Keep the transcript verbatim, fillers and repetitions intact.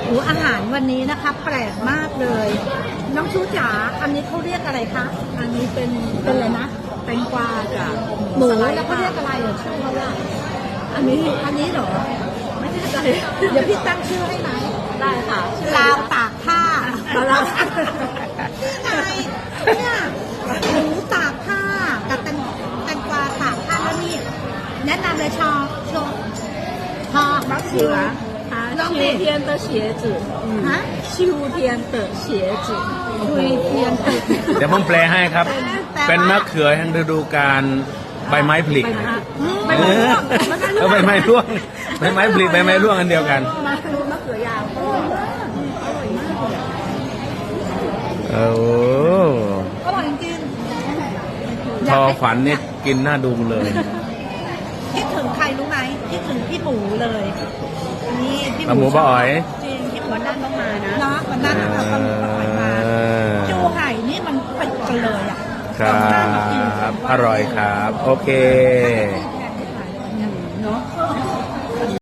หูอาหารวันนี้นะคะแปลกมากเลย น้องชูจ๋าอันนี้เขาเรียกอะไรคะอันนี้เป็นเป็นอะไรนะแตงกวากับหมูแล้วเขาเรียกอะไรเหรอชื่อเขาว่าอันนี้อันนี้เหรอไม่แน่ใจเดี๋ยวพี่ตั้งชื่อให้ไหมได้ค่ะลาวตากผ้าลาวไงเนี่ยหมูตากผ้ากับแตงแตงกวาตากผ้าแล้วนี่แนะนำเลยชอชอชอบักชิว秋天的鞋子ฮะ秋天的鞋子秋天的เดี๋ยวผมแปลให้ครับ เป็นมะเขือแห่งฤดูกาลใบไม้ผลิเออเออใบไม้ร่วงใบไม้ผลิใบไม้ร่วงอันเดียวกันมะเขือยาวอร่อยมากเลยโอ้อร่อยจริงพอฝันนี่กินหน้าดูเลยคิดถึงใครรู้ไหมคิดถึงพี่หมูเลยนี่พี่หมูป้าอ๋อยจริงพี่วันนั้นต้องมานะเนาะวันนั้นเราต้องมาจูไห่นี่มันเป็นกันเลยอ่ะครับอร่อยครับโอเค